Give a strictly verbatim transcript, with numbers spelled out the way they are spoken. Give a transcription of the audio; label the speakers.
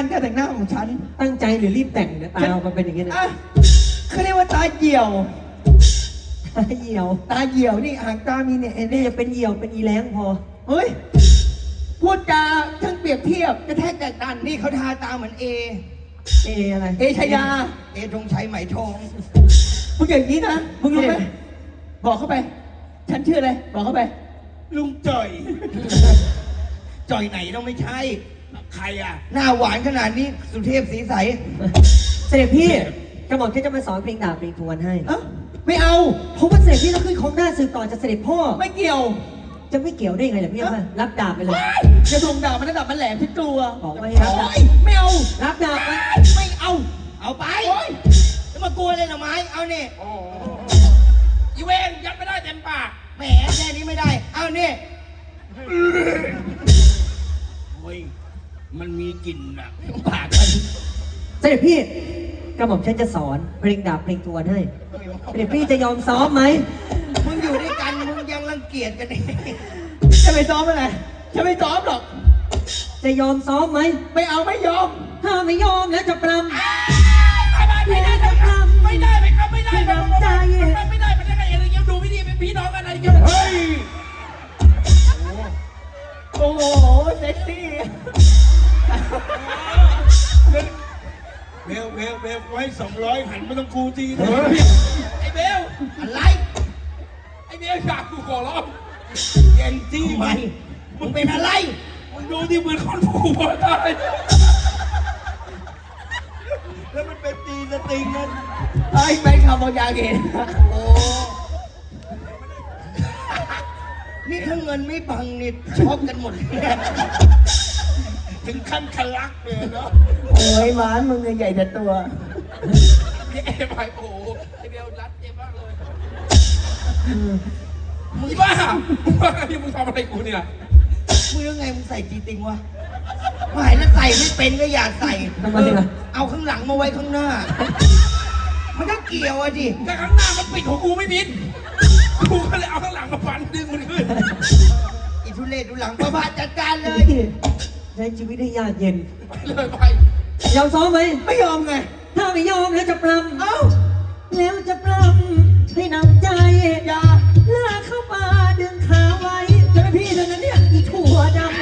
Speaker 1: านการแต่งหน้าของฉัน
Speaker 2: ตั้งใจหรือรีบแต่งเนี่ยตาเรามันเป็นอย่างนี้นะ
Speaker 1: อ่ะเขาเรียกว่าตาเหี่ยว
Speaker 2: ตาเหี่ยว
Speaker 1: ตาเหี่ยวนี่หางตามีเนี่ย
Speaker 2: นี่จะเป็นเหี่ยวเป็นอีแรงพอ
Speaker 1: เฮ้ยพูดจาทั้งเปรียบเทียบกระแทกแตกตันนี่เขาทาตาเหมือนเอ
Speaker 2: เออะไร
Speaker 1: เอชยา เอธงชัยไหมทองมึงอย่างนี้นะมึงรู้ไหมบอกเข้าไป ฉันชื่ออะไรบอกเข้าไป
Speaker 3: ลุงจ่อย จ่อยไหนต้องไม่ใช่ ใครอ่ะ
Speaker 1: หน้าหวานขนาดนี้สุเทพสีใส
Speaker 2: เสด็จพี่กระหม่อมแค่จะมาสอนเพลงดาบเพลงทวนให้
Speaker 1: เอ้าไม่เอา
Speaker 2: เพราะว่าเสด็จพี่ต้องขึ้นของหน้าสื่อก่อนจะเสด็จพ่อ
Speaker 1: ไม่เกี่ยว
Speaker 2: จะไม่เกี่ยวได้ไงล่ะพี่เอามารับดาบไปเลย
Speaker 1: จะส่งดาบมันระดับมันแหลมที่ตัว
Speaker 2: บอกไม่ให้รับดาบ
Speaker 1: โอ๊ยไม่เอา
Speaker 2: รับดาบไป
Speaker 1: ไม่เอา
Speaker 3: เอาไป
Speaker 1: โอ๊ย
Speaker 3: จะมากลัวเลยเหรอไม้ เอาเนี่ยอีเวนยัดไม่ได้เต็มปาก
Speaker 1: แหมแค่นี้ไม่ได้ เอานี่
Speaker 3: เฮ้ย มันมีกลิ่นอ่ะ
Speaker 1: ปากมัน
Speaker 2: เสด็จพี่กระหม่อมฉันจะสอนเพลงดาบเพลงทวนให้เสด็จพี่จะยอมซ้อมไหม
Speaker 1: มึงอยู่ด้วยกันมึงยังรังเกียจกันเองจะไปซ้อมอะไรจะไม่ซ้อมหรอก
Speaker 2: จะยอมซ้อมไหม
Speaker 1: ไม่เอาไม่ยอม
Speaker 2: ถ้าไม่ยอมแล้วจะปรำ
Speaker 3: ไม่ได้ไม่ได้ไม่ได้ไม่ครับไม่ได้
Speaker 2: ไม่
Speaker 3: ไม่
Speaker 2: น้ำใจ
Speaker 3: ได้ไม่ได้ไม่ได้อะไรเงี้ยดูไม่ดีเป็นพี่น้องกันอะไรเงี้ยเฮ้ย
Speaker 1: โอ้โหเซ็กซี่
Speaker 3: เบลเบลเบลไว้สองร้อยหันมาต้องกูทีนะไอ้เบลอะไรไอ้เบลอยากกูขอร้องเย็นจี้มันมึงเป็นอะไรมึงดูที่เหมือนคนผูกคอตายแล้วมันเป็นตีสติงนั่น
Speaker 1: ไอ้แฟนคลับบางอย่างเห็น
Speaker 3: โอ้
Speaker 1: นี่ถ้าเงินไม่บังนี่ช็อกกันหมดเลย
Speaker 3: ถึงขั้นทะลักเลยเนาะ
Speaker 1: โอ้ยหมานมึงเนี่ยใหญ่แต่ตัว
Speaker 3: นี่ไอ้ไปโอ้ไอ้เบลรัดเจ็บมากเลยมึงบ้ามึงบ้าที่มึงทำอะไรกูเนี่ย
Speaker 1: มึงยังไงมึงใส่จีติงวะหมายแล้วใส่ไม่เป็นก็อยากใส่
Speaker 2: ทำไมล่ะ
Speaker 1: เอาข้างหลังมาไว้ข้างหน้า มันก็เกี่ยวอะดิ
Speaker 3: แต่ข้างหน้ามันปิดของกูไม่มิดกูก็เลยเอาข้างหลังมาฟันดึงมันขึ้น
Speaker 1: อีทุเรศดูหลังประพาสจัดการเลย
Speaker 2: ใช้ชีวิตให้ยากเย็น
Speaker 3: ไปเลยไป
Speaker 2: ยอมซ้อมไหม
Speaker 1: ไม่ยอมไง
Speaker 2: ถ้าไม่ยอมแล้วจะปรำ
Speaker 1: เอ้า
Speaker 2: แล้วจะปรำให้นำใจ
Speaker 1: อย่า
Speaker 2: ลากเข้าป่าดึงขาไว้
Speaker 1: จะไม่พี่เท่านั้นเนี่ย
Speaker 2: อีถั่วดำ